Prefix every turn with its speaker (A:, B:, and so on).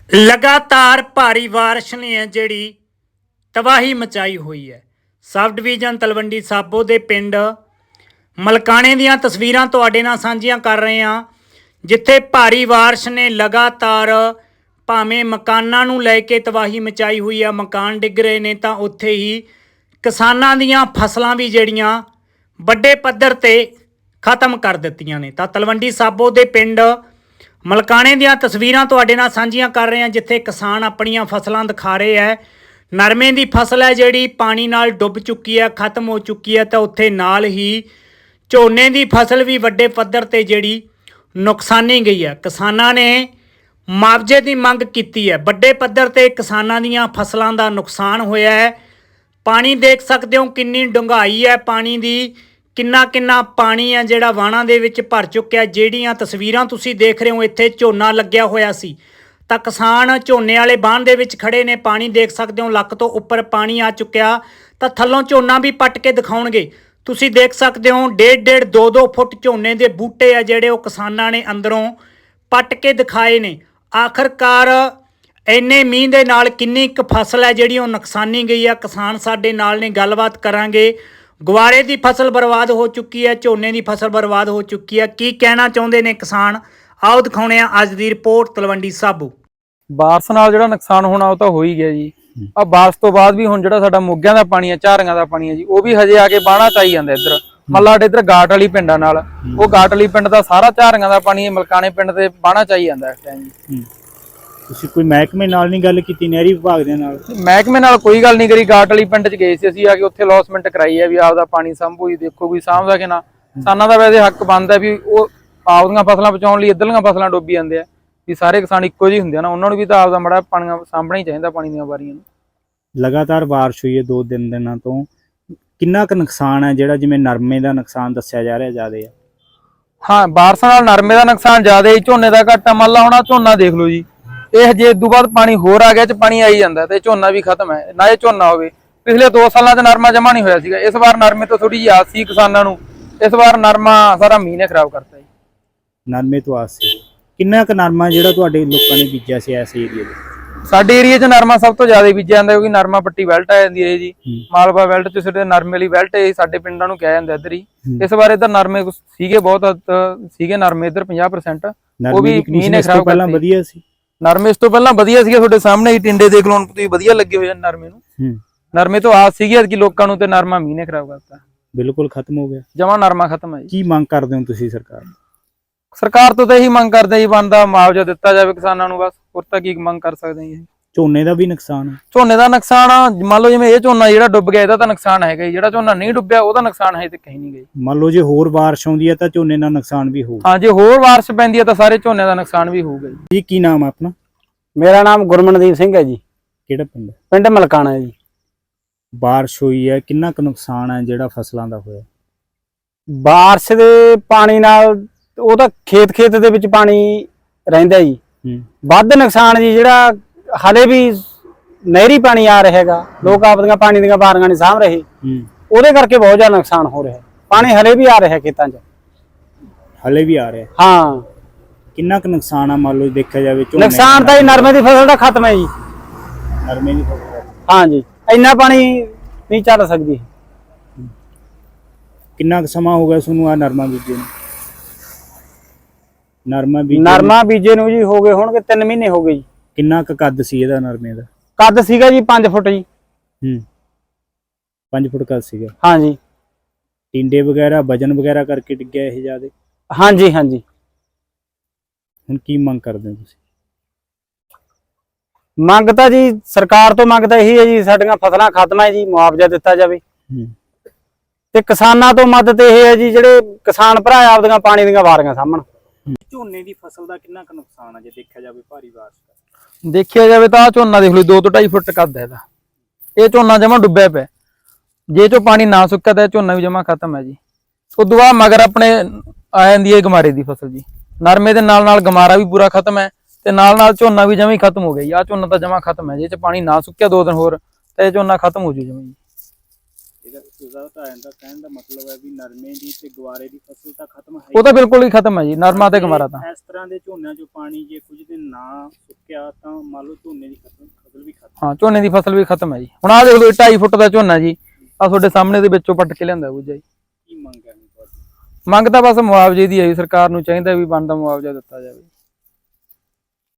A: लगातार भारी बारिश ने जिहड़ी तबाही मचाई हुई है। सब डिवीजन तलवंडी साबो के पिंड मलकाने दीयां तस्वीरां तुहाडे नाल सांझियां कर रहे हैं, जिथे भारी बारिश ने लगातार भावें मकानां नूं लैके तबाही मचाई हुई है, मकान डिग रहे ने, तां उत्थे ही किसानां दीयां फसलां भी जिहड़ियां वड्डे पद्धर ते खत्म कर दित्तियां ने। तां तलवंडी साबो के पिंड मलकाने दीयां तस्वीरां तुहाडे नाल सांझियां कर रहे हैं, जिथे किसान अपनियां फसलां दिखा रहे हैं। नरमे की फसल है जिहड़ी पानी नाल डुब चुकी है, खत्म हो चुकी है। तो उत्थे नाल ही झोने की फसल भी वड्डे पद्धर ते जिहड़ी नुकसानी गई है। किसानां ने मुआवजे की मंग की है। वड्डे पद्धर ते किसानां दीयां फसलां दा नुकसान होया है। पानी देख सकते हो किन्नी डूंघाई है पानी की, किन्ना किन्ना पानी है जिहड़ा वाहणां दे विच भर चुक्या। जिहड़ियां तस्वीरां तुसीं देख रहे हो, इत्थे झोना लग्या होया सी, ਤਾਂ किसान झोने वाले बांध ਦੇ ਵਿੱਚ खड़े ने। पानी देख सकते हो ਲੱਕ ਤੋਂ ਉੱਪਰ पानी आ चुक्या। ਤਾਂ ਥੱਲੋਂ ਝੋਨਾ भी पट के दिखाउणगे। ਤੁਸੀਂ देख सकते हो 1.5 2 फुट ਝੋਨੇ ਦੇ ਬੂਟੇ ਆ ਜਿਹੜੇ ਉਹ ਕਿਸਾਨਾਂ ਨੇ ਅੰਦਰੋਂ पट के दिखाए ने। आखिरकार ਇੰਨੇ ਮੀਂਹ ਦੇ ਨਾਲ ਕਿੰਨੀ ਕੁ ਫਸਲ ਹੈ ਜਿਹੜੀ ਉਹ ਨੁਕਸਾਨੀ ਗਈ ਆ। ਕਿਸਾਨ ਸਾਡੇ ਨਾਲ ਨੇ, ਗੱਲਬਾਤ ਕਰਾਂਗੇ। ਗਵਾਰੇ ਦੀ ਫਸਲ ਬਰਬਾਦ ਹੋ ਚੁੱਕੀ ਹੈ, ਝੋਨੇ ਦੀ ਫਸਲ ਬਰਬਾਦ ਹੋ ਚੁੱਕੀ ਹੈ। ਕੀ ਕਹਿਣਾ ਚਾਹੁੰਦੇ ਨੇ ਕਿਸਾਨ, आओ दिखाने अज की रिपोर्ट तलवंडी साबो।
B: बारिश नाल जिहड़ा नुकसान होना वो तो हो ही गया जी। आ बारिश तो बाद भी हुण जिहड़ा साडा मोगियां दा पानी है, झारियां दा पानी है जी, वो भी हजे आके बाणा चाई जांदा। इधर मतलब साडे इधर घाट वाली पिंडां नाल वो घाट वाली पिंड दा सारा झारियां दा पानी मलकाने पिंड ते बाणा चाई जांदा इस टाइम जी।
C: ਤੁਸੀਂ ਕੋਈ ਮਹਿਕਮੇ ਨਾਲ ਨਹੀਂ ਗੱਲ ਕੀਤੀ, ਨਹਿਰੀ ਵਿਭਾਗ ਦੇ ਨਾਲ?
B: ਮਹਿਕਮੇ ਨਾਲ ਕੋਈ ਗੱਲ ਨਹੀਂ ਕਰੀ। ਘਾਟ ਵਾਲੀ ਪਿੰਡ 'ਚ ਗਏ ਸੀ ਅਸੀਂ, ਆ ਕੇ ਉੱਥੇ ਲੌਸਮੈਂਟ ਕਰਾਈ ਹੈ ਵੀ ਆਪਦਾ ਪਾਣੀ ਸੰਭੂ ਜੀ। ਦੇਖੋ ਕੋਈ ਸਾਂਭਦਾ ਕਿ ਨਾ। ਕਿਸਾਨਾਂ ਦਾ ਵੈਸੇ ਹੱਕ ਬਣਦਾ ਵੀ ਉਹ ਆਪਦੀਆਂ ਫਸਲਾਂ ਬਚਾਉਣ ਲਈ ਇੱਧਰਲੀਆਂ ਫਸਲਾਂ ਡੁੱਬੀ ਜਾਂਦੇ ਆ। ਵੀ ਸਾਰੇ ਕਿਸਾਨ ਇੱਕੋ ਜਿਹੇ ਹੁੰਦੇ ਆ ਨਾ, ਉਹਨਾਂ ਨੂੰ ਵੀ ਤਾਂ ਆਪਦਾ ਮਾੜਾ ਪਾਣੀ ਸਾਂਭਣਾ ਹੀ ਚਾਹੀਦਾ, ਪਾਣੀ ਦੀਆਂ ਵਾਰੀਆਂ ਨੂੰ।
C: ਲਗਾਤਾਰ ਬਾਰਿਸ਼ ਹੋਈ ਹੈ 2 ਦਿਨਾਂ ਤੋਂ, ਕਿੰਨਾ ਕੁ ਨੁਕਸਾਨ ਹੈ ਜਿਹੜਾ ਜਿਵੇਂ ਨਰਮੇ ਦਾ ਨੁਕਸਾਨ ਦੱਸਿਆ ਜਾ ਰਿਹਾ ਜ਼ਿਆਦਾ ਹੈ?
B: ਹਾਂ, ਬਾਰਿਸ਼ਾਂ ਨਾਲ ਨਰਮੇ ਦਾ ਨੁਕਸਾਨ ਜ਼ਿਆਦਾ ਹੀ, ਝੋਨੇ ਦਾ ਘਾਟਾ। ਮੰਨ ਲਾ ਹੁਣ ਝੋਨਾ ਦੇਖ ਲਓ ਜੀ, ਇਹ ਜੇ ਇਦੋਂ ਬਾਅਦ ਪਾਣੀ ਹੋਰ ਆ ਗਿਆ ਚ ਪਾਣੀ ਆਈ ਜਾਂਦਾ ਤੇ ਝੋਨਾ ਵੀ ਖਤਮ ਹੈ। ਨਾ ਇਹ ਝੋਨਾ ਹੋਵੇ, ਪਿਛਲੇ 2 ਸਾਲਾਂ ਚ ਨਰਮਾ ਜਮਾ ਨਹੀਂ ਹੋਇਆ ਸੀਗਾ। ਇਸ ਵਾਰ ਨਰਮੇ ਤੋਂ ਥੋੜੀ ਜਿਹੀ ਆਸ ਸੀ ਕਿਸਾਨਾਂ ਨੂੰ, ਇਸ ਵਾਰ ਨਰਮਾ ਸਾਰਾ ਮੀਂਹ ਨੇ ਖਰਾਬ ਕਰਤਾ ਜੀ।
C: ਨਰਮੇ ਤੋਂ ਆਸ ਸੀ। ਕਿੰਨਾ ਕੁ ਨਰਮਾ ਜਿਹੜਾ ਤੁਹਾਡੇ ਲੋਕਾਂ ਨੇ ਬੀਜਿਆ ਸੀ ਇਸ ਏਰੀਏ ਦੇ?
B: ਸਾਡੇ ਏਰੀਏ 'ਚ ਨਰਮਾ ਸਭ ਤੋਂ ਜ਼ਿਆਦਾ ਬੀਜਿਆ ਜਾਂਦਾ, ਕਿਉਂਕਿ ਨਰਮਾ ਪੱਟੀ ਬੈਲਟ ਆ ਜਾਂਦੀ ਹੈ ਜੀ। ਮਾਲਵਾ ਬੈਲਟ 'ਚ ਸਾਡੇ ਨਰਮੇ ਵਾਲੀ ਬੈਲਟ ਸਾਡੇ ਪਿੰਡਾਂ ਨੂੰ ਕਿਹਾ ਜਾਂਦਾ ਇੱਧਰ ਹੀ। ਇਸ ਵਾਰ ਇੱਧਰ ਨਰਮੇ ਸੀਗੇ ਬਹੁਤ ਸੀਗੇ ਨਰਮੇ ਇੱਧਰ 50%, ਉਹ ਵੀ ਮੀਂਹ ਨੇ ਖਰਾਬ
C: ਪਹਿਲਾਂ ਵਧੀਆ ਸੀ।
B: ਨਰਮੇ ਇਸ ਤੋਂ ਪਹਿਲਾਂ ਵਧੀਆ ਸੀਗੇ, ਤੁਹਾਡੇ ਸਾਹਮਣੇ ਹੀ ਟਿੰਡੇ ਦੇਖ ਲਓ ਤੁਸੀਂ, ਵਧੀਆ ਲੱਗੇ ਹੋਏ ਨਰਮੇ ਨੂੰ। ਨਰਮੇ ਤੋਂ ਆਸ ਸੀਗੀ ਕਿ ਲੋਕਾਂ ਨੂੰ, ਤੇ ਨਰਮਾ ਮੀਂਹ ਨੇ ਖਰਾਬ ਕਰਤਾ,
C: ਬਿਲਕੁਲ ਖਤਮ ਹੋ ਗਿਆ।
B: ਜਮਾ ਨਰਮਾ ਖਤਮ ਹੈ ਜੀ।
C: ਕੀ ਮੰਗ ਕਰਦੇ ਹੋ ਤੁਸੀਂ
B: ਸਰਕਾਰ ਤੋਂ ਤਾਂ ਇਹੀ ਮੰਗ ਕਰਦੇ ਜੀ, ਬਣਦਾ ਮੁਆਵਜ਼ਾ ਦਿੱਤਾ ਜਾਵੇ ਕਿਸਾਨਾਂ ਨੂੰ, ਬਸ। ਹੋਰ ਤਾਂ ਕੀ ਮੰਗ ਕਰ ਸਕਦੇ ਜੀ।
C: ਝੋਨੇ ਦਾ ਵੀ ਨੁਕਸਾਨ ਹੈ?
B: ਝੋਨੇ ਦਾ ਨੁਕਸਾਨ ਮੰਨ ਲਓ ਜਿਵੇਂ ਇਹ ਝੋਨਾ ਜਿਹੜਾ ਡੁੱਬ ਗਿਆ, ਇਹਦਾ ਤਾਂ ਨੁਕਸਾਨ ਹੈਗਾ ਜੀ। ਜਿਹੜਾ ਝੋਨਾ ਨਹੀਂ ਡੁੱਬਿਆ ਉਹਦਾ ਨੁਕਸਾਨ ਹੈ ਤੇ ਕहीं ਨਹੀਂ ਗਈ।
C: ਮੰਨ ਲਓ ਜੇ ਹੋਰ ਬਾਰਿਸ਼ ਆਉਂਦੀ ਹੈ ਤਾਂ ਝੋਨੇ ਦਾ ਨੁਕਸਾਨ ਵੀ ਹੋਊ?
B: ਹਾਂ, ਜੇ ਹੋਰ ਬਾਰਿਸ਼ ਪੈਂਦੀ ਹੈ ਤਾਂ ਸਾਰੇ ਝੋਨੇ ਦਾ ਨੁਕਸਾਨ ਵੀ ਹੋਊਗਾ
C: ਜੀ। ਕੀ ਨਾਮ ਹੈ ਆਪਣਾ?
D: ਮੇਰਾ ਨਾਮ ਗੁਰਮਨਦੀਪ ਸਿੰਘ ਹੈ ਜੀ।
C: ਕਿਹੜਾ ਪਿੰਡ?
D: ਪਿੰਡ ਮਲਕਾਣਾ ਜੀ।
C: ਬਾਰਿਸ਼ ਹੋਈ ਹੈ, ਕਿੰਨਾ ਕੁ ਨੁਕਸਾਨ ਹੈ ਜਿਹੜਾ ਫਸਲਾਂ ਦਾ ਹੋਇਆ?
D: ਬਾਰਿਸ਼ ਦੇ ਪਾਣੀ ਨਾਲ ਉਹ ਤਾਂ ਖੇਤ ਦੇ ਵਿੱਚ ਪਾਣੀ ਰਹਿੰਦਾ ਜੀ। ਵੱਧ ਨੁਕਸਾਨ ਜੀ ਜਿਹੜਾ ਹਲੇ ਵੀ ਨਹਿਰੀ ਪਾਣੀ ਆ ਰਿਹਾ ਹੈਗਾ, ਲੋਕ ਆਪਦੀਆਂ ਪਾਣੀ ਦੀਆਂ ਵਾਰੀਆਂ ਨਹੀਂ ਸਾਂਭ ਰਹੇ, ਉਹਦੇ ਕਰਕੇ ਬਹੁਤ ਜ਼ਿਆਦਾ ਨੁਕਸਾਨ ਹੋ ਰਿਹਾ। ਪਾਣੀ ਹਲੇ ਵੀ ਆ ਰਿਹਾ ਖੇਤਾਂ 'ਚ,
C: ਹਲੇ ਵੀ ਆ ਰਿਹਾ?
D: ਹਾਂ।
C: ਕਿੰਨਾ ਕੁ ਨੁਕਸਾਨ ਆ ਮੰਨ ਲਓ ਦੇਖਿਆ ਜਾਵੇ?
D: ਨੁਕਸਾਨ ਤਾਂ ਜੀ ਨਰਮੇ ਦੀ ਫਸਲ ਦਾ ਖਤਮ ਹੈ ਜੀ।
C: ਨਰਮੇ ਦੀ ਫਸਲ?
D: ਹਾਂ ਜੀ, ਇੰਨਾ ਪਾਣੀ ਨਹੀਂ ਚੱਲ ਸਕਦੀ।
C: ਕਿੰਨਾ ਕੁ ਸਮਾਂ ਹੋ ਗਿਆ ਤੁਹਾਨੂੰ ਆ ਨਰਮਾ ਬੀਜੇ ਨੂੰ?
D: ਨਰਮਾ ਬੀਜੇ ਨੂੰ ਜੀ ਹੋ ਗਏ ਹੋਣਗੇ 3 ਮਹੀਨੇ ਹੋ ਗਏ ਜੀ।
C: ਕਿੰਨਾ ਕੁ ਕੱਦ ਸੀ ਇਹਦਾ ਨਰਮੇ ਦਾ?
D: ਕੱਦ ਸੀਗਾ ਜੀ 5 ਫੁੱਟ ਜੀ।
C: 5 ਫੁੱਟ ਕੱਦ ਸੀਗਾ?
D: ਹਾਂ ਜੀ।
C: ਟਿੰਡੇ ਵਗੈਰਾ ਵਜਨ ਵਗੈਰਾ ਕਰਕੇ ਡਿੱਗਿਆ ਇਹ ਜ਼ਿਆਦਾ?
D: ਹਾਂਜੀ ਹਾਂਜੀ।
C: ਹੁਣ ਕੀ ਮੰਗ ਕਰਦੇ ਹੋ ਤੁਸੀਂ?
D: ਮੰਗ ਤਾਂ ਜੀ ਸਰਕਾਰ ਤੋਂ ਮੰਗ ਤਾਂ ਇਹੀ ਹੈ ਜੀ, ਸਾਡੀਆਂ ਫਸਲਾਂ ਖਤਮ ਹੈ ਜੀ, ਮੁਆਵਜ਼ਾ ਦਿੱਤਾ ਜਾਵੇ। ਤੇ ਕਿਸਾਨਾਂ ਤੋਂ ਮਦਦ ਇਹ ਹੈ ਜੀ, ਜਿਹੜੇ ਕਿਸਾਨ ਭਰਾ ਆਪਦੀਆਂ ਪਾਣੀ ਦੀਆਂ ਵਾਰੀਆਂ ਸਾਂਭਣ।
C: ਝੋਨੇ ਦੀ ਫਸਲ ਦਾ ਕਿੰਨਾ ਕੁ ਨੁਕਸਾਨ ਹੈ ਜੇ ਦੇਖਿਆ ਜਾਵੇ ਭਾਰੀ ਬਾਰਿਸ਼ ਦਾ?
B: ਦੇਖਿਆ ਜਾਵੇ ਤਾਂ ਆ ਝੋਨਾ ਦੇਖ ਲਓ 2 ਤੋਂ 2.5 ਫੁੱਟ ਕੱਦ ਹੈ ਇਹਦਾ। ਇਹ ਝੋਨਾ ਜਮਾ ਡੁੱਬਿਆ ਪਿਆ, ਜੇ ਚੋਂ ਪਾਣੀ ਨਾ ਸੁੱਕਿਆ ਤਾਂ ਝੋਨਾ ਵੀ ਜਮਾ ਖਤਮ ਹੈ ਜੀ। ਉਦੋਂ ਬਾਅਦ ਮਗਰ ਆਪਣੇ ਆ ਜਾਂਦੀ ਹੈ ਗਮਾਰੇ ਦੀ ਫਸਲ ਜੀ। ਨਰਮੇ ਦੇ ਨਾਲ ਨਾਲ ਗਮਾਰਾ ਵੀ ਪੂਰਾ ਖਤਮ ਹੈ, ਤੇ ਨਾਲ ਨਾਲ ਝੋਨਾ ਵੀ ਜਮਾ ਹੀ ਖਤਮ ਹੋ ਗਿਆ ਜੀ। ਆ ਝੋਨਾ ਤਾਂ ਜਮਾ ਖਤਮ ਹੈ, ਜੇ ਚ ਪਾਣੀ ਨਾ ਸੁੱਕਿਆ 2 ਦਿਨ ਹੋਰ ਤਾਂ ਇਹ ਝੋਨਾ ਖਤਮ ਹੋ ਜੂ ਜਮਾ ਜੀ।
C: ਇਹਦਾ ਤਾਂ ਇਹਦਾ ਕਹਿਣ ਦਾ ਮਤਲਬ ਹੈ ਵੀ ਨਰਮੇ ਦੀ ਤੇ ਗਵਾਰੇ ਦੀ ਫਸਲ ਤਾਂ ਖਤਮ ਹੈ
B: ਉਹ ਤਾਂ ਬਿਲਕੁਲ ਹੀ ਖਤਮ ਹੈ ਜੀ, ਨਰਮਾ ਤੇ ਗਵਾਰਾ ਤਾਂ।
C: ਇਸ ਤਰ੍ਹਾਂ ਦੇ ਝੋਨਿਆਂ 'ਚੋਂ ਪਾਣੀ ਜੇ ਕੁਝ ਦਿਨ ਨਾ ਸੁੱਕਿਆ ਤਾਂ ਮੰਨ ਲਓ ਝੋਨੇ ਦੀ ਫਸਲ ਵੀ ਖਤਮ।
B: ਹਾਂ, ਝੋਨੇ ਦੀ ਫਸਲ ਵੀ ਖਤਮ ਹੈ ਜੀ। ਹੁਣ ਆਹ ਦੇਖ ਲਓ 2.5 ਫੁੱਟ ਦਾ ਝੋਨਾ ਜੀ, ਆ ਤੁਹਾਡੇ ਸਾਹਮਣੇ ਦੇ ਵਿੱਚੋਂ ਪੱਟ ਕੇ ਲਿਆਂਦਾ ਬੂਝਾ ਜੀ।
C: ਕੀ ਮੰਗ ਹੈ ਤੁਹਾਡੀ?
B: ਮੰਗ ਤਾਂ ਬਸ ਮੁਆਵਜ਼ੇ ਦੀ ਹੈ ਜੀ, ਸਰਕਾਰ ਨੂੰ ਚਾਹੀਦਾ ਵੀ ਬਣਦਾ ਮੁਆਵਜ਼ਾ ਦਿੱਤਾ ਜਾਵੇ।